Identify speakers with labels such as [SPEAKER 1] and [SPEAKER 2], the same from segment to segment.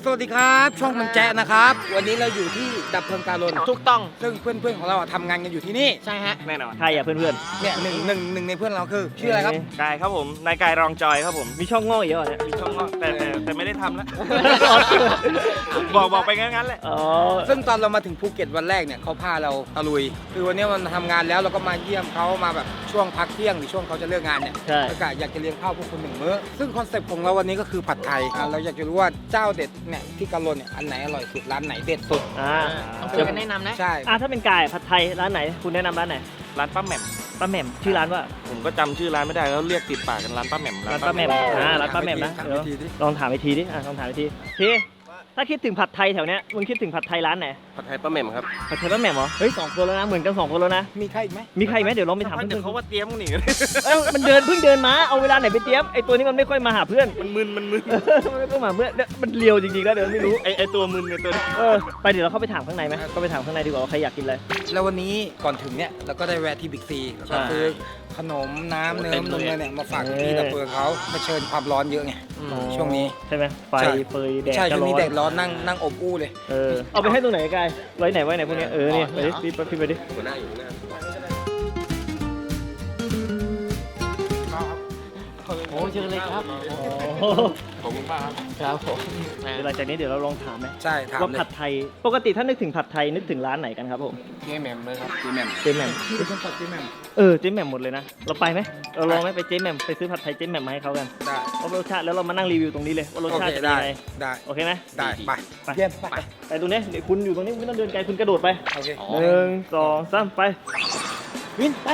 [SPEAKER 1] สวัสดีครับช่องมันแจ๊นะครับวันนี้เราอยู่ที่ดับเพลิงการน
[SPEAKER 2] ถูกต้อง
[SPEAKER 1] ซึ่งเพื่อนๆของเราทำงานกันอยู่ที่นี่
[SPEAKER 2] ใช่ฮะ
[SPEAKER 3] แน่นอน
[SPEAKER 4] ใครอ่ะเพื่อน
[SPEAKER 1] เนี่ยหนึ่งในเพื่อนเราคือชื่ออะไรครับ
[SPEAKER 3] กายครับผมนายกายรองจอยครับผม
[SPEAKER 4] ๆมีช่องโง่อีกเหรอเนี่ย
[SPEAKER 3] มีช่องแต่ไม่ได้ทำแล้ว บอกไปงั้นแหละ
[SPEAKER 4] อ๋อ
[SPEAKER 1] ซึ่งตอนเรามาถึงภูเก็ตวันแรกเนี่ยเขาพาเราตะลุยคือวันนี้มันทำงานแล้วเราก็มาเยี่ยมเขามาแบบช่วงพักเที่ยงหรือช่วงเขาจะเลิกงานเนี่ย
[SPEAKER 4] ใช่
[SPEAKER 1] แล้วก็อยากจะเลี้ยงข้าวพวกคุณ1 มื้อซึ่งคอนเซ็ปต์ของเราวันนี้ก็คือผัดไทยเราอยากจะรู้ว่าเจ้าเด็ดเนี่ยที่กะลนเนี่ยอันไหนอร่อยสุดร้านไหนเด็ดสุด
[SPEAKER 2] ต้องช่วยกันแนะนำนะ
[SPEAKER 1] ใช่
[SPEAKER 4] ถ้าเป็นไก่ผัดไทยร้านไหนคุณแนะนำร้านไหน
[SPEAKER 3] ร้านป้าแหม่ม
[SPEAKER 4] ป้าแหม่มชื่อร้านว่า
[SPEAKER 3] ผมก็จำชื่อร้านไม่ได้แล้วเรียกติดปากกันร้านป้าแหม่ม
[SPEAKER 4] ร้านป้าแหม่มร้านป้าแหม่มนะเดี๋ยวลองถามอีกทีดิลองถามอีกทีถ้าคิดถึงผัดไทยแถวเนี้ยมึงคิดถึงผัดไทยร้านไหน
[SPEAKER 3] ผัดไทยป้าแหม่มครับ
[SPEAKER 4] ผัดไทยป้าแหม่มเหรอเฮ้ย2 คนแล้วนะเหมือนกัน2 คนแล้วนะ
[SPEAKER 1] มีใครอีกไหม
[SPEAKER 4] มีใครไหมเดี๋ยวลองไปถาม
[SPEAKER 3] เดี๋ยว
[SPEAKER 4] เพื่
[SPEAKER 3] เขา
[SPEAKER 4] อน
[SPEAKER 3] ว่าเตรียมกันหนี
[SPEAKER 4] มันเพิ่งเดินมาเอาเวลาไหนไปเตรียมไอตัวนี้มันไม่ค่อยมาหาเพื่อน
[SPEAKER 3] มันมึน
[SPEAKER 4] มันไม่ค่อยมาเพื่อนเนี่ยมันเลียวจริงๆแล้วเดี๋ยวไม่รู้
[SPEAKER 3] ไอตัวมึนเนี่ยตัวนี้
[SPEAKER 4] ไปเดี๋ยวเราเข้าไปถามข้างในไหมก็ไปถามข้างในดีกว่าว่าใครอยากกินอะไร
[SPEAKER 1] แล้ววันนี้ก่อนถึงเนี่ยเราก็ได้แวะที่บิ๊กซีแล้วก็ซื้อขนมน้ำเนมนมเนี่ยมาฝากพี่ดับเพลิงเขาเผชิญความร้อนเยอะไงช่วงนี้
[SPEAKER 4] ใช่ไหมไฟ
[SPEAKER 1] ใช่
[SPEAKER 4] เฟยแดด
[SPEAKER 1] ใช่
[SPEAKER 4] ก็
[SPEAKER 1] ช่วง
[SPEAKER 4] ร้อ
[SPEAKER 1] นี้
[SPEAKER 4] น
[SPEAKER 1] แดดร้อนนั่งอบอู้เลย
[SPEAKER 4] เอาไปให้ตรงไหนกายไว้ไหนพวกนี้นี่ไปดิพี่ไปดิ
[SPEAKER 3] หัวหน้าอยู่หน้า
[SPEAKER 2] โอ้เชิญเลยครับ
[SPEAKER 3] ขอบคุณมากครับ
[SPEAKER 2] ครับผม
[SPEAKER 4] เดี๋ยวหลังจากนี้เดี๋ยวเราลองถามไหม
[SPEAKER 1] ใช่ถาม
[SPEAKER 4] ว่า
[SPEAKER 1] เลย
[SPEAKER 4] ผัดไทยปกติถ้านึกถึงผัดไทยนึกถึงร้านไหนกันครับผม
[SPEAKER 3] เจ๊แหม่มเลยครับเจ๊แหม่ม
[SPEAKER 4] เจ๊แหม่ม
[SPEAKER 1] เป็นคนตัดที่แม่ม
[SPEAKER 4] เจ๊แหม่มหมดเลยนะเราไปไหมเราลองไหมไปเจ๊แหม่มไปซื้อผัดไทยเจ๊แหม่มมาให้เขากัน
[SPEAKER 1] ได้
[SPEAKER 4] ว่ารสชาติแล้วเรามานั่งรีวิวตรงนี้เลยว่ารส
[SPEAKER 1] โอ
[SPEAKER 4] ชา
[SPEAKER 1] เค
[SPEAKER 4] ติจะเป็น
[SPEAKER 1] ได้
[SPEAKER 4] ยังไง
[SPEAKER 1] ได้
[SPEAKER 4] โอเคไหม
[SPEAKER 1] ได้ไป
[SPEAKER 4] ไป
[SPEAKER 1] เยี่ยมไป
[SPEAKER 4] ไปตรงนี้เดี๋ยวคุณอยู่ตรงนี้คุณไม่ต้องเดินไกลคุณกระโดดไป
[SPEAKER 1] โอเค
[SPEAKER 4] 1 2 3ไปวินไป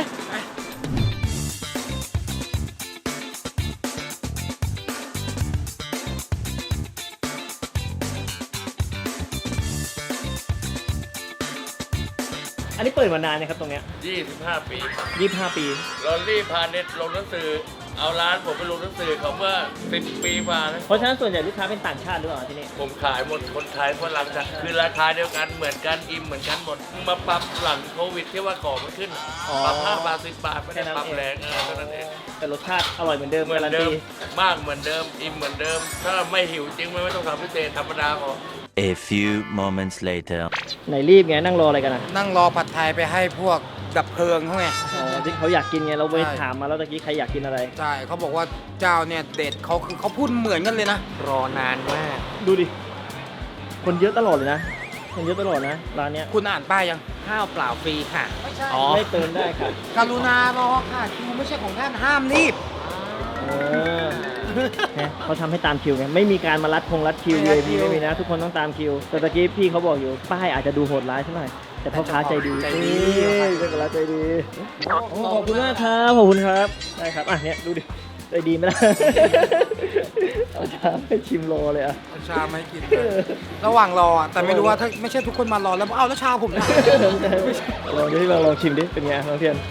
[SPEAKER 4] อันนี้เปิดมานานนะครับตรงเนี้ย
[SPEAKER 5] 25 ปี
[SPEAKER 4] 25 ปี
[SPEAKER 5] ลอรี่พาเน็ตลงหนังสือ เอาร้านผมไปลงหนังสือเขาเมื่อ 10 ปีกว่านะ
[SPEAKER 4] เพราะฉะนั้นส่วนใหญ่ลูกค้าเป็นต่างชาติหรือเปล่าที่นี่
[SPEAKER 5] ผมขายหมดคนไทยฝรั่งจ้ะคือราคาเดียวกันเหมือนกันอิ่มเหมือนกันหมด มาปรับหลังโควิดที่ว่าของมันขึ้น ปรับ5 บาท 10 บาทไม่ได้ปรับแรงเท่านั้นเอง
[SPEAKER 4] แต่รสชาติอร่อยเหมือนเดิม
[SPEAKER 5] เหมือน
[SPEAKER 4] การัน
[SPEAKER 5] เดิ
[SPEAKER 4] ตี
[SPEAKER 5] มมากเหมือนเดิมอิ่มเหมือนเดิม ถ้าไม่หิวจริงไม่ต้องทำพิเศษธรรมดาพอ
[SPEAKER 6] A few moments later.
[SPEAKER 4] ไหนรีบไงนั่งรออะไรกันอ่ะ
[SPEAKER 1] นั่งรอผัดไทยไปให้พวกดับเพลิงเขาไง
[SPEAKER 4] ที่เขาอยากกินไงเราไป
[SPEAKER 1] ใช่
[SPEAKER 4] ถามมาแล้วตะกี้ใครอยากกินอะไร
[SPEAKER 1] ใช่เขาบอกว่าเจ้าเนี่ยเด็ดเขาคือเขาพูดเหมือนกันเลยนะ
[SPEAKER 2] รอนานมาก
[SPEAKER 4] ดูดิ คนเยอะตลอดเลยนะ คนเยอะตลอดนะร้านเนี้ย
[SPEAKER 1] คุณอ่านป้ายยัง
[SPEAKER 2] ข้าวเปล่าฟรีค่ะ
[SPEAKER 1] ไม่ใช่
[SPEAKER 2] อ๋อ
[SPEAKER 4] ไม่เติมได้ค่ะ
[SPEAKER 1] กรุณารอค่ะคิวไม่ใช่ของท่านห้ามรีบ
[SPEAKER 4] เออเนี่ยเขาทำให้ตามคิวไงไม่มีการมารัดคิว
[SPEAKER 1] ไม่รัด
[SPEAKER 4] VIP
[SPEAKER 1] คิว
[SPEAKER 4] ไม่มีนะ ทุกคนต้องตามคิวแต่ตะกี้พี่เขาบอกอยู่ป้ายอาจจะดูโหดร้ายสักหน่อยแต่พ่อค้าใจดี
[SPEAKER 1] ใจดี
[SPEAKER 4] เจ้าค้าใจดีโอ้ขอบคุณมากครับขอบคุณครับได้ครับอ่ะเนี่ยดูดิใจดีไหมล่ะ เอาชามให้ชิมรอเลยอ่ะ
[SPEAKER 1] เอาชามาให้กินระหว่างรออ่ะแต่ไม่รู้ว่าถ้าไม่ใช่ทุกคนมารอแล้วเอาแล้วชาผมเนี่ย
[SPEAKER 4] ลองดิลองชิมดิเป็นไงน้องเทียน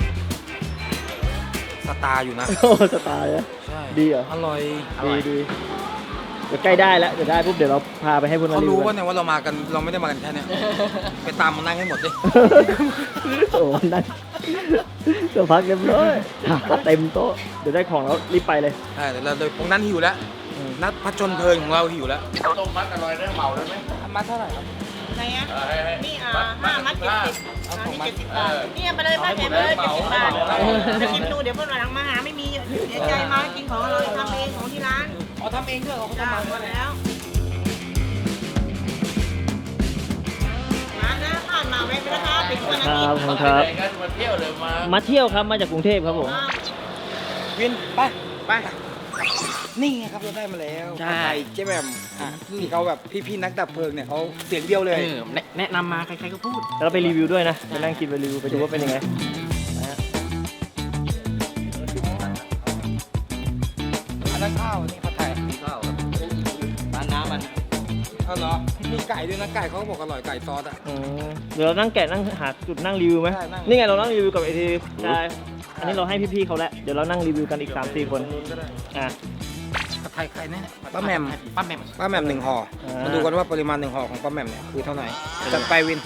[SPEAKER 1] สตาร์อยู่นะ
[SPEAKER 4] โอ้สไตล์อะ
[SPEAKER 1] ใช่
[SPEAKER 4] ดีเหรอ
[SPEAKER 1] อร่อย
[SPEAKER 4] ดีเดี๋ยวใกล้ได้แล้วเดี๋ยวได้ปุ๊บเดี๋ยวเราพาไปให้พวก
[SPEAKER 1] เขา
[SPEAKER 4] นั้น
[SPEAKER 1] รู้
[SPEAKER 4] กั
[SPEAKER 1] ว่าเนี่ยว่าเรามากันเราไม่ได้มากันแค่เนี้ยไปตามมานั่งให้หมดดิ
[SPEAKER 4] โอ้นั่นเดี๋ยวพักเรียบร้อยเต็มโต๊ะเดี๋ยวได้ของแล้วรีบไปเลย
[SPEAKER 1] ใช่เดี๋ยวเราตรงนั้นหิวแล้วนัดผจญเพลิงของเราหิวแล้ว
[SPEAKER 5] ต้มมัดอร่อยได้เหมาได้ไหม
[SPEAKER 1] มาเท่าไหร่ครับ
[SPEAKER 7] ไหนอ่ะ
[SPEAKER 5] ให้
[SPEAKER 7] นี่
[SPEAKER 5] มัด
[SPEAKER 7] 5 มัด 70
[SPEAKER 1] เอาของ
[SPEAKER 7] นี่
[SPEAKER 1] มัด
[SPEAKER 7] 70 บาทนี่ไปเลยป้าแถมเลย70 บาทจะชิมดูเดี๋ยวเพื่อนวันหลังมาหาไม่มีเสียใจมากินของอร่อยทำเองของที่ร้าน
[SPEAKER 1] เอาทำเองด้วยเหรอเขา
[SPEAKER 7] จ้า
[SPEAKER 1] ทำมา
[SPEAKER 7] หมดแล้วร้านนะผ่านมาแวะไปนะคะปิดวันอา
[SPEAKER 4] ค
[SPEAKER 7] ทิ
[SPEAKER 4] รั
[SPEAKER 7] ต
[SPEAKER 4] บ
[SPEAKER 7] ย์
[SPEAKER 4] ขอบคุณครับ
[SPEAKER 5] ไปกันมาเที่ยวเลยมา
[SPEAKER 4] มาเที่ยวครับมาจากกรุงเทพครับผม
[SPEAKER 1] วินไปนี่ไงครับเราได้มาแล้ว
[SPEAKER 2] ใช่
[SPEAKER 1] ผัดไทยเจ๊แหม่มที่เขาแบบพี่ๆนักดับเพลิงเนี่ยเขาเสียงเดียวเลย
[SPEAKER 2] แนะนำมาใครๆก็พูด
[SPEAKER 4] แล้วเราไปรีวิวด้วยนะไปนั่งกินไปรีวิวไปดูว่าเป็นยังไงนะฮะ
[SPEAKER 1] อันนั้นข้าวอันนี้ผัดไทย
[SPEAKER 2] ร้านน้ำมัน
[SPEAKER 1] เอาเหรอมีไก่ด้วยนะไก่เขาก็บอกอร่อยไก่ซอสอ่ะ
[SPEAKER 4] เดี๋ยวเรานั่งแกะนั่งหาจุดนั่งรีวิวไหม
[SPEAKER 1] ใช่นั่ง
[SPEAKER 4] นี่ไงเรานั่งรีวิวกับไอทีได้อันนี้เราให้พี่ๆเขาแล้วเดี๋ยวเรานั่งรีวิวกันอีก 3-4 คนอ่ะ
[SPEAKER 1] ผัดไทยใครเนี่ยป้าแหม่ม
[SPEAKER 2] ป้าแหม่ม
[SPEAKER 1] ป้าแหม่ม1 ห่อ
[SPEAKER 4] อ่าม
[SPEAKER 1] มาดูกันว่าปริมาณ1 ห่อของป้าแหม่มเนี่ยคือเท่าไหร่จัดไปวิน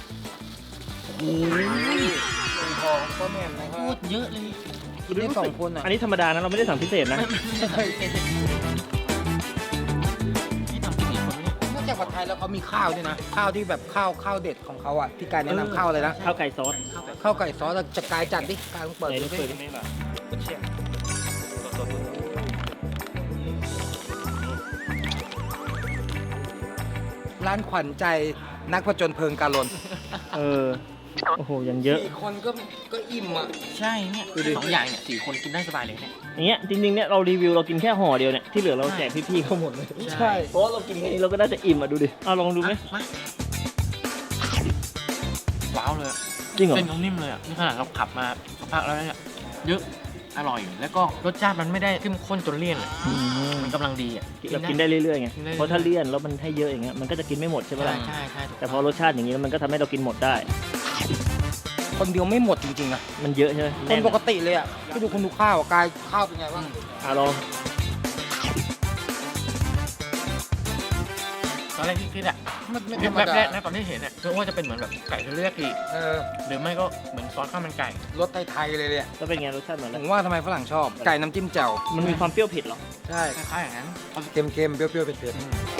[SPEAKER 1] 1 ห่อของป้าแหม่มนะครั
[SPEAKER 2] พู
[SPEAKER 1] บ
[SPEAKER 2] ดเยอะเลย
[SPEAKER 1] กินได้2 คนอ่ะ
[SPEAKER 4] อันนี้ธรรมดานะเราไม่ได้สั่งพิเศษนะ
[SPEAKER 2] นี่ทำพิเศษคนนี้
[SPEAKER 1] จากผัดไทยแล้วเขามีข้าวด้วยนะ ข้าวที่แบบข้าวเด็ดของเขาอ่ะที่กายแนะนำข้าวอะไรนะ
[SPEAKER 4] ข้าวไก่ซอส
[SPEAKER 1] ข้าวไก่ซอสจะกายจัดดิกายต้องเปิด
[SPEAKER 4] ไหน
[SPEAKER 1] ดู
[SPEAKER 4] เปิด
[SPEAKER 1] สิ
[SPEAKER 5] นี่แหละ
[SPEAKER 1] ร้านขวัญใจนักผจญเพลิงกาลน
[SPEAKER 4] โอ้โหยังเยอะ
[SPEAKER 1] 4 คนก็อิ่มอ่ะ
[SPEAKER 2] ใช่เนี่ยสองอย่างเนี่ย4 คนกินได้สบายเลยเนี่ย
[SPEAKER 4] อย่างเงี้ยจริงๆเนี่ยเรารีวิวเรากินแค่ห่อเดียวเนี่ยที่เหลือเราแจกพี่ๆเขาหมดเลย
[SPEAKER 1] ใช่
[SPEAKER 4] เพราะว่าเรากินแค่นี้เราก็น่าจะอิ่มอ่ะดูดิเอาลองดูไหม
[SPEAKER 2] มาว้าวเลยอะ
[SPEAKER 4] จริงเหรอ
[SPEAKER 2] เส้นเขานิ่มเลยอ่ะนี่ขนาดเราขับมาสักพักแล้วเนี่ยเยอะอร่อยแล้วก็รสชาติมันไม่ได้เข้มข้นจนเลี่ยนอะ
[SPEAKER 4] อืม
[SPEAKER 2] มันกำลังดีอ่ะ
[SPEAKER 4] เรากินได้เรื่อยๆไง
[SPEAKER 2] กินได้เรื่อยๆ
[SPEAKER 4] เพราะถ้าเลี่ยนแล้วมันให้เยอะอย่างเงี้ยมันก็จะกินไม่หมดใช่ไหมล่ะ
[SPEAKER 2] ใช่ใช่
[SPEAKER 4] แต่พอรสชาติอย่างนี้แล้วมันก็ทำให้เรากินหมดได้
[SPEAKER 1] คนเดียวไม่หมดจริงๆนะ
[SPEAKER 4] มันเยอะใช่ไหม
[SPEAKER 1] คนปกติเลยอ่ะไปดูคุณดูข้าวอะกายข้าวเป็นไงบ้าง
[SPEAKER 4] ลอง
[SPEAKER 2] ตอนแรกที่คิดอ่ะ
[SPEAKER 1] ไม่ธรรม
[SPEAKER 2] แบบ
[SPEAKER 1] ดา
[SPEAKER 2] แรกนะตอนที่เห็นอ่ะนึกว่าจะเป็นเหมือนแบบไก่เทอริยากิ
[SPEAKER 1] เออ
[SPEAKER 2] หรือไม่ก็เหมือนซอสข้าวมันไก่
[SPEAKER 1] รสไทยๆเลยเนี่ย
[SPEAKER 4] แล้วเป็นไงรสชาติเหมือน
[SPEAKER 1] ผ
[SPEAKER 4] อะไร
[SPEAKER 1] มว่าทำไมฝรั่งชอบไก่น้ำจิ้มแจ่ว
[SPEAKER 4] มันมีความเปรี้ยวเผ็ดเหรอ
[SPEAKER 1] ใช่
[SPEAKER 2] คล้ายๆอย่างนั้น
[SPEAKER 1] เค็มๆเปรี้ยวๆเผ็ด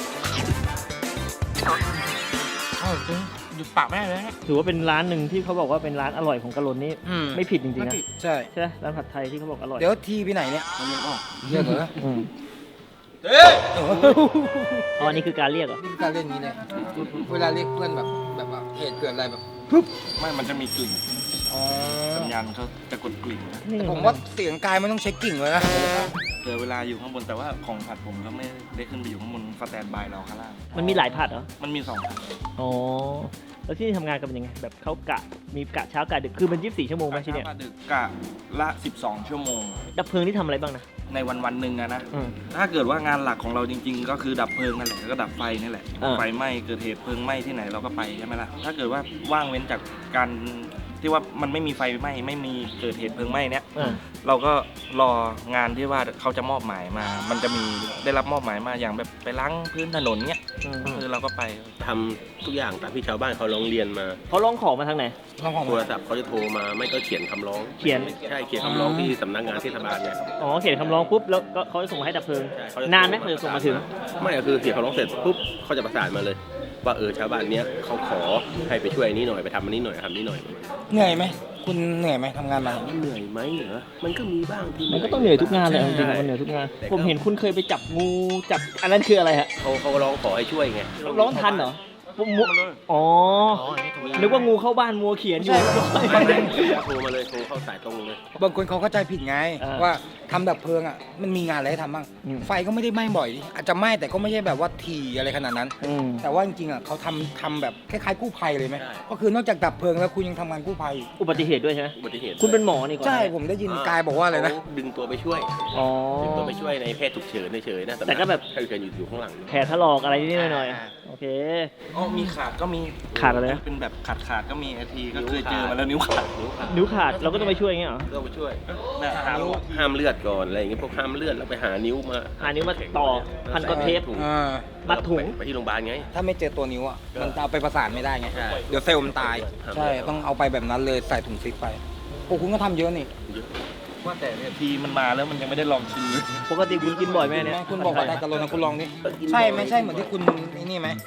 [SPEAKER 2] อร่อยจริงหยุดปากไม่ได้เลยนะ
[SPEAKER 4] ถือว่าเป็นร้านหนึ่งที่เขาบอกว่าเป็นร้านอร่อยของกะลนนี่
[SPEAKER 1] ๆอืม
[SPEAKER 4] ไม่ผิดจริงๆนะ
[SPEAKER 1] ใช่
[SPEAKER 4] ใช่ไหมร้านผัดไทยที่เขาบอกอร่อย
[SPEAKER 1] เดี๋ยวทีไปไหนเนี่ยเรียกเหรอ
[SPEAKER 4] อืม
[SPEAKER 1] เอ๊ะ
[SPEAKER 4] อ๋ออันนี้คือการเรียกเหรอ
[SPEAKER 1] นี่คือการเล่นนี้เลยเวลาเรียกเพื่อนแบบว่าเหตุเกิดอะไรแบบ
[SPEAKER 5] ไม่มันจะมีกลิ่น
[SPEAKER 1] อ๋อ
[SPEAKER 5] สัญญาณเขาจะกดกลิ่นนะ
[SPEAKER 4] นี่
[SPEAKER 1] แต่ผมว่าเสียงกายไม่ต้องใช้กิ่งเลยนะ
[SPEAKER 5] เจอเวลาอยู่ข้างบนแต่ว่าของผัดผมก็ไม่ได้ขึ้นไปอยู่ข้างบนสแตนบายเราข้างล่าง
[SPEAKER 4] มันมีหลายผัดเหรอ
[SPEAKER 5] มันมี2ผัด
[SPEAKER 4] อ๋อ แล้วที่นี่ทำงานกันเป็นยังไง แบบเขากะ มีกะเช้ากะดึก คือมัน24 ชั่วโมงไหมที่เนี่ย
[SPEAKER 5] กะดึกกะละ12 ชั่วโมง
[SPEAKER 4] ดับเพลิงที่ทำอะไรบ้างนะ
[SPEAKER 5] ในวันหนึ่งอะนะ
[SPEAKER 4] อืม
[SPEAKER 5] ถ้าเกิดว่างานหลักของเราจริง ๆ ก็คือดับเพลิงนั่นแหละแล้วก็ดับไฟนี่แหละ
[SPEAKER 4] อ่า
[SPEAKER 5] ไฟไหม้เกิดเหตุเพลิงไหม้ที่ไหนเราก็ไปใช่ไหมล่ะถ้าเกิดว่าว่างเว้นจากการที่ว่ามันไม่มีไฟไหม้ไม่มีเกิดเหตุเพลิงไหม้เนี้ย
[SPEAKER 4] อ่า
[SPEAKER 5] เราก็รองานที่ว่าเขาจะมอบหมายมา มันจะมีได้รับมอบหมายมาอย่างแบบไปล้างพื้นถนนเนี้ยคือเราก็ไป
[SPEAKER 3] ทำทุกอย่างตามที่ชาวบ้านเขาร้องเรียนมา
[SPEAKER 4] เขาร้องขอมาทางไหน
[SPEAKER 1] ลองของ
[SPEAKER 3] โทรศัพท์เขาจะโทรมาไม่ก็เขียนคำร้อง
[SPEAKER 4] เขียน
[SPEAKER 3] ใช่เขียนคำร้องที่สำนักงานเทศบาลเนี่ย
[SPEAKER 4] อ๋อ เขียนคำร้องปุ๊บ แล้วก็เขาจะส่งมาให้ดับเพลิง
[SPEAKER 3] ใช่เขาจะ
[SPEAKER 4] นานไหมเขาจะส่งมาถึง
[SPEAKER 3] ไม่ก็คือเขียนคำร้องเสร็จปุ๊บเขาจะประสานมาเลย ว่าชาวบ้านเนี้ยเขาขอให้ไปช่วยอันนี้หน่อยไปทำอันนี้หน่อยทำนี้หน่อย
[SPEAKER 1] เหนื่อยไหมคุณเหนื่อยไหมทำงานมา
[SPEAKER 3] เหนื่อยไหมเหรอมันก็มีบ้างที่
[SPEAKER 4] มันก็ต้องเหนื่อยทุกงานเลยเอาจริงๆมันเหนื่อยทุกงาน ผมเห็นคุณเคยไปจับงูจับอันนั้นคืออะไรฮะ
[SPEAKER 3] เขาร้องขอให้ช่วยไง
[SPEAKER 4] ร้องทันเหรอปุ๊บมุอ๋อ
[SPEAKER 2] อ๋ออันนี้ถูกแล้ว
[SPEAKER 4] นึกว่างูเข้าบ้านมัวเขียนอยู่
[SPEAKER 3] โทรมาเลยโทรเข้าสายตรงเลย
[SPEAKER 1] บางคนเขาเข้าใจผิดไง
[SPEAKER 4] อ่า
[SPEAKER 1] ว่าทำดับเพลิงอ่ะมันมีงานอะไรให้ทำบ้าง
[SPEAKER 4] อืม
[SPEAKER 1] ไฟก็ไม่ได้ไหม้บ่อย อาจจะไหม้แต่ก็ไม่ใช่แบบว่าถี่อะไรขนาดนั้น
[SPEAKER 4] อืม
[SPEAKER 1] แต่ว่าจริงๆอ่ะเขาทำแบบคล้ายๆกู้ภัยเลยไหม
[SPEAKER 3] ใช่
[SPEAKER 1] ก็คือนอกจากดับเพลิงแล้วคุณยังทำงานกู้ภัยอีก
[SPEAKER 4] อุบัติเหตุด้วยใช่ไหม
[SPEAKER 3] อุบัติเหตุ
[SPEAKER 4] คุณเป็นหมอนี่ก่อน
[SPEAKER 1] ใช่ผมได้ยินกายบอกว่าอะไรนะ
[SPEAKER 3] เขาดึงตัวไปช่วย
[SPEAKER 4] อ๋อ
[SPEAKER 3] ดึงตัวไปช่วยในแพทย์ฉุกเฉินเฉยๆนะ
[SPEAKER 4] แต่ก็แบบ
[SPEAKER 3] แพทย์ฉุกเฉินอยู่ข้างหลัง
[SPEAKER 4] แผลถลอกอะไรนิดๆหน่อยๆโอเค
[SPEAKER 5] อ๋อมีขาดก็มี
[SPEAKER 4] ขาดอะไรนะ
[SPEAKER 5] เป็นแบบขาดก็มีไอทีก็เคยเจอมาแล้วนิ้วขาด
[SPEAKER 4] นิ้วขาดเราก็ต้องไปช่วยอย่างเงี้ยเหรอ
[SPEAKER 3] ก็ไปช่วย
[SPEAKER 5] แบบหานิ้ว
[SPEAKER 3] ห้ามเลือดก่อนอะไรอย่างเงี้ยพวกห้ามเลือดแล้วไปหานิ้วมา
[SPEAKER 4] หานิ้วมาต่อพันก้อนเทป
[SPEAKER 3] ถุง
[SPEAKER 1] อ่า
[SPEAKER 4] มัดถุง
[SPEAKER 3] ไปที่โรงพยาบาลไง
[SPEAKER 1] ถ้าไม่เจอตัวนิ้วอ่ะมันจะเอาไปประสานไม่ได้ไง
[SPEAKER 3] ใช่
[SPEAKER 1] เดี๋ยวเซลล์มันตาย
[SPEAKER 3] ครับ
[SPEAKER 1] ใช่ต้องเอาไปแบบนั้นเลยใส่ถุงซิปไปโอ้คุณก็ทำเยอะนี่
[SPEAKER 5] ว่าแต่เนี่ยทีมันมาแล้วมันยังไม่ได้ลองชิมเลย
[SPEAKER 4] ปกติคุณกินบ่อยไหมเนี่ย
[SPEAKER 1] คุณบอกว่าได้กะโลนะคุณลองดิใช่ไหมใช่เหมือนที่คุณไอ้นี่ไหม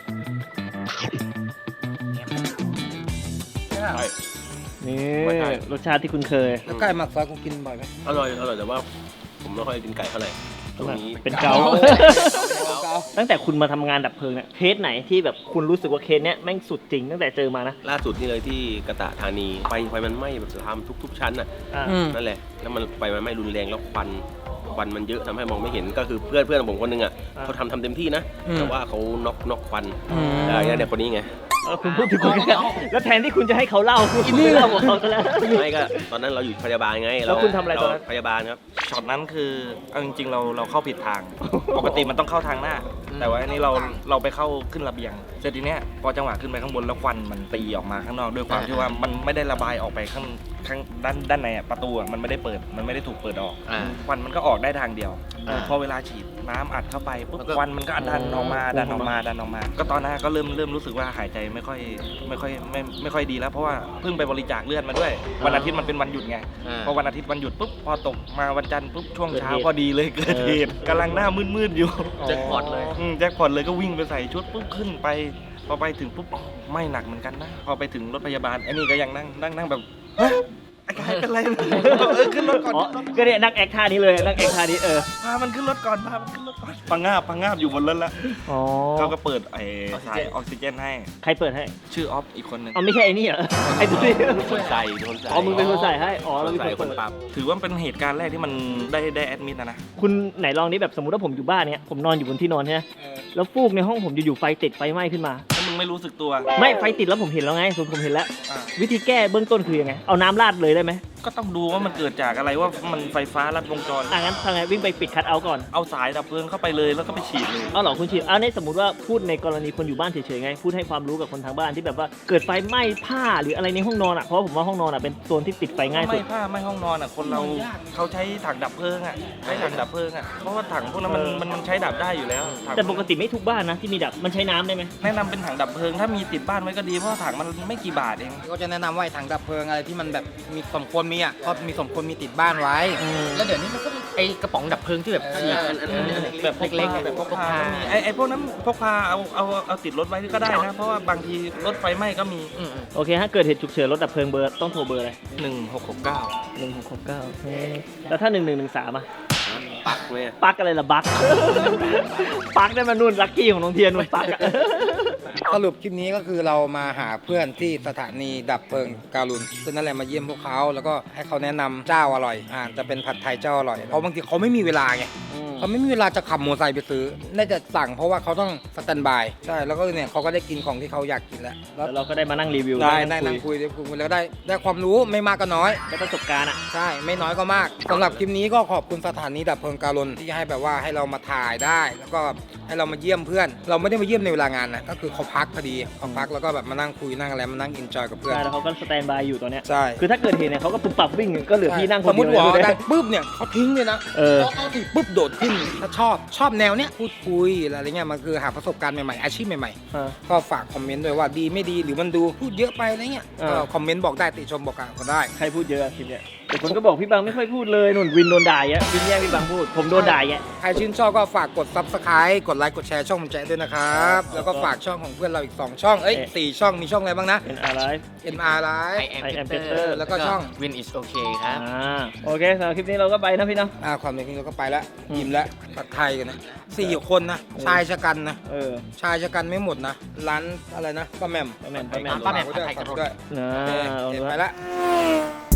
[SPEAKER 1] ใช่ปะ
[SPEAKER 4] นี่รสชาติที่คุณเคย
[SPEAKER 1] แล้วไก่หมักซอสคุณกินบ่อยไหม
[SPEAKER 3] อร่อยแต่ว่าผมไม่ค่อยกินไก่เท่าไหร่ตรงนี้
[SPEAKER 4] เป็นเกา
[SPEAKER 1] เกา
[SPEAKER 4] ตั้งแต่คุณมาทำงานดับเพลิงเนี่ยเคสไหนที่แบบคุณรู้สึกว่าเคสเนี้ยแม่งสุดจริงตั้งแต่เจอมานะ
[SPEAKER 3] ล่าสุดนี่เลยที่กระตะธานีไฟมันไหม้แบบทำทุกชั้นน่ะ
[SPEAKER 4] อ่า
[SPEAKER 1] อืม
[SPEAKER 3] นั่นแหละแล้วมันไฟมันไหม้รุนแรงแล้วควันมันเยอะทำให้มองไม่เห็นก็คือเพื่อนของผมคนหนึงอ่ะเขาทำเต็มที่นะแต่ว่าเขาน็อกควันแล้วเนี่ยคนนี้ไง
[SPEAKER 4] คุณพูดถึงคุณแล้วแทนที่คุณจะให้เขาเล่าคุณไม่เล่าของเขาซะแล้ว
[SPEAKER 3] ไม่ก็ตอนนั้นเราอยู่พยาบาลไง
[SPEAKER 4] แล้วคุณทำอะไรตอนนั้น
[SPEAKER 3] พยาบาลครับ
[SPEAKER 5] ช็อตนั้นคือเอาจริงๆเราเข้าผิดทาง ปกติมันต้องเข้าทางหน้า แต่ว่าอันนี้เราไปเข้าขึ้นระเบียงเสร็จทีเนี้ยพอจังหวะขึ้นไปข้างบนแล้วควันมันตีออกมาข้างนอกด้วยความที่ว่ามันไม่ได้ระบายออกไปข้างด้านในอะประตูอะมันไม่ได้เปิดมันไม่ได้ถูกเปิดออก ควันมันก็ออกได้ทางเดียว พอเวลาฉีดน้ำอัดเข้าไปปุ๊บควันมันก็ดันออกมาก็ตอนนั้นก็เริ่มรู้สึกว่าหายใจไม่ค่อยดีแล้วเพราะว่าเพิ่งไปบริจาคเลือดมาด้วยวันอาทิตย์มันเป็นวันหยุดไงพอวันอาทิตย์วันหยุดปุ๊บพอตกมาวันจันทร์ปุ๊บช่วงเช้าพอดีเลยเกิดเหตุกำลังหน้ามืดๆอยู่
[SPEAKER 2] เจ็คพอตเลย
[SPEAKER 5] มแจ็คพอตเลยก็วิ่งไปใส่ชุดปุ๊บขึ้นไปพอไปถึงปุ๊บไม่หนักเหมือนกันนะพอไปถึงรถพยาบาลไอ้นี่ก็ยังนั่งแบบฮะไอ้กายเป็นไรขึ้นรถก่อน
[SPEAKER 4] อ๋อก็เนี่ยนั่งแอคท่านี้เลยนั่งแอคท่านี้
[SPEAKER 5] พามันขึ้นรถก่อนพังงาบอยู่บนรถแล้ว
[SPEAKER 4] อ๋อ
[SPEAKER 5] เขาก็เปิดไอ้สายออกซิเจนให้
[SPEAKER 4] ใครเปิดให้
[SPEAKER 5] ชื่อออฟอีกคนหนึ่ง
[SPEAKER 4] อ๋อไม่ใช่ไอ้นี่เหรอไอ้ตัวนี้
[SPEAKER 3] คนใส่คนใส่
[SPEAKER 4] อ๋อมึงเป็นคนใส่ให้อ๋อ
[SPEAKER 3] ค
[SPEAKER 4] เรา
[SPEAKER 3] น
[SPEAKER 4] เป็น
[SPEAKER 3] ใส่
[SPEAKER 4] ค
[SPEAKER 3] คน น
[SPEAKER 4] เปิด
[SPEAKER 3] ปั๊ม
[SPEAKER 5] ถือว่าเป็นเหตุการณ์แรกที่มันได้แอดมิดนะ
[SPEAKER 4] คุณไหนลองนี้แบบสมมติว่าผมอยู่บ้านเนี้ยผมนอนอยู่บนที่นอนใช่ไหมแล้วฟูกในห้องผมอยู่ๆไฟติดไฟไหม้ขึ้นมา
[SPEAKER 5] ถ้ามึงไม่รู้สึกตัว
[SPEAKER 4] ไม่ไฟติดแล้วผมเห็นแล้วไงผมเห็นแล้ว
[SPEAKER 5] อ่ะ
[SPEAKER 4] วิธีแก้เบื้องต้นคือยังไงเอาน้ำราดเลยได้ไหม
[SPEAKER 5] ก็ต้องดูว่ามันเกิดจากอะไรว่ามันไฟฟ้าลัดวงจร
[SPEAKER 4] งั้นทำไงวิ่งไปปิดคัทเอาท์ก่อน
[SPEAKER 5] เอาสายดับเพลิงเข้าไปเลยแล้วก็ไปฉีดเลย
[SPEAKER 4] เอาเหรอคุณฉีดในสมมติว่าพูดในกรณีคนอยู่บ้านเฉยๆไงพูดให้ความรู้กับคนทางบ้านที่แบบว่าเกิดไฟไหม้ผ้าหรืออะไรในห้องนอนอ่ะเพราะผมว่าห้องนอนอ่ะเป็นโซนที่ติดไฟง่ายสุ
[SPEAKER 5] ไม่
[SPEAKER 4] ด
[SPEAKER 5] ผ้าไม่ห้องนอนอ่ะคนเราเขาใช้ถังดับเพลิงอ่ะใช้ถังดับเพลิงอ่ะเพราะว่าถังพวกนั้นมันใช้ดับได้อยู่แล้วถัง
[SPEAKER 4] แต่ปกติไม่ทุกบ้านนะที่มีดับมันใช้น้ำได้ไหม
[SPEAKER 5] แนะนำเป็นถังดับเพลิงถ้ามีติดบ้านไว้ก็ดีเพราะว่าถังมันไม่กี่บาทเอง
[SPEAKER 1] ก็จะแนะนำว่าไอ้ถังดับเพลิงอะไรที่มันแบบมีสมควรมีอ่ะก็มีสมควรมีติดบ้านไว้
[SPEAKER 2] แล้วเดี๋ยวนี้มันก็มีไอกระป๋องดับเพลิงที่แบบฉีดแบบเล็กๆแบบพกพา
[SPEAKER 5] ไอ้พวกนั้นพกพาเอาติดรถไว้ก็ได้นะ เพราะว่าบางทีรถไฟไหม้ก็มี
[SPEAKER 4] โอเคฮะเกิดเหตุฉุกเฉินรถดับเพลิงเบอร์ต้องโทรเบอร์อะไร
[SPEAKER 5] 1669
[SPEAKER 4] 1669แล้วถ้า1113อ่ะ
[SPEAKER 3] ปักเลย
[SPEAKER 4] ปักอะไรล่ะบัก ปักได้มานุ่นลักกี้ของน้องเทียนนุ่นปักอะ
[SPEAKER 1] สรุปคลิปนี้ก็คือเรามาหาเพื่อนที่สถานีดับเพลิงการุณซึ่งนั่นแหละมาเยี่ยมพวกเขาแล้วก็ให้เขาแนะนำเจ้าอร่อยจะเป็นผัดไทยเจ้าอร่อยเพราะบางทีเขาไม่มีเวลาไงเขาไม่มีเวลาจะขับมอเตอร์ไซค์ไปซื้อน่าจะสั่งเพราะว่าเขาต้องสแตนด์บายใช่แล้วก็เนี่ยเขาก็ได้กินของที่เขาอยากกินแล้ว
[SPEAKER 4] แล้วเราก็ได้มานั่งรีวิว
[SPEAKER 1] ได้นั่งคุยแล้วได้ความรู้ไม่มากก็น้อย
[SPEAKER 4] ได้ประสบการณ์อ่ะ
[SPEAKER 1] ใช่ไม่น้อยก็มากสำหรับคลิปนี้ก็ขอบคุณสถานีดับเพลิงการุณที่ให้แบบว่าให้เรามาถ่ายได้ แล้วก็ให้เรามาเยี่ยมเพื่อน เราไม่ได้มาเยี่ยมในเวลางานนะก็คือเขาพักพอดีเขาพักแล้วก็แบบมานั่งคุยนั่งอะไรมานั่งอินจอยกับเพื่อน
[SPEAKER 4] ใช่แล้วเขาก็สแตนบายอยู่ตอนเนี้ย
[SPEAKER 1] ใช่
[SPEAKER 4] คือถ้าเกิดเหตุเนี่ยเขาก็ปุ๊บปับวิ่งก็เหลือพี่นั่งค
[SPEAKER 1] ส
[SPEAKER 4] น
[SPEAKER 1] มม
[SPEAKER 4] เดียว
[SPEAKER 1] ติหัว
[SPEAKER 4] เลย
[SPEAKER 1] ดังปุ๊บเนี่ยเขาทิ้งเลยนะ เขาถีบปุ๊บโดดขึ้นถ้าชอบแนวเนี้ยพูดคุยอะไรเงี้ยมันคือหาประสบการณ์ใหม่ๆอาชีพใหม่ๆก็ฝากคอมเมนต์ด้วยว่าดีไม่ดีหรือมันดูพูดเยอะไปอะไรเงี้ยก็คอมเมนต์บอกได้ติชมบอกกันก็ได้
[SPEAKER 4] ใครพูดเยอะคลิปเนี้ยแต่คนก็บอกพี่บังไม่ค่อยพูดเลยนุ่นวินโดนด่าแยะวินแย่งพี่บังพูดผมโดนด่าแยะ
[SPEAKER 1] ใครชื่นชอบก็ฝากกด Subscribe กดไลค์กดแชร์ช่องผมแจ๊ด้วยนะครับแล้วก็ฝากช่องของเพื่อนเราอีก2ช่อง4ช่องมีช่องอะไรบ้างนะ
[SPEAKER 4] เป็นอะไร
[SPEAKER 1] NR Live
[SPEAKER 2] I am
[SPEAKER 4] Peter
[SPEAKER 2] Peter
[SPEAKER 1] แล้วก็ช่อง
[SPEAKER 2] Win is okay ครับ
[SPEAKER 4] โอเคสำหรับคลิปนี้เราก็ไปนะพี่เนาะ
[SPEAKER 1] ความเป็นจริงเราก็ไปแล้วยิ้มแล้วผัดไทยกันนะ4 คนนะชายชะกันนะชายชะกันไม่หมดนะร้านอะไรนะป้าแหม่ม
[SPEAKER 4] ป้าแหม่ม
[SPEAKER 1] ฝากไว้ด้วย
[SPEAKER 2] ผัดไทยกระโดด
[SPEAKER 1] ด้วย
[SPEAKER 4] นะ
[SPEAKER 1] โอเค
[SPEAKER 4] ลองดู
[SPEAKER 1] ไป
[SPEAKER 4] ฮะ
[SPEAKER 1] ละ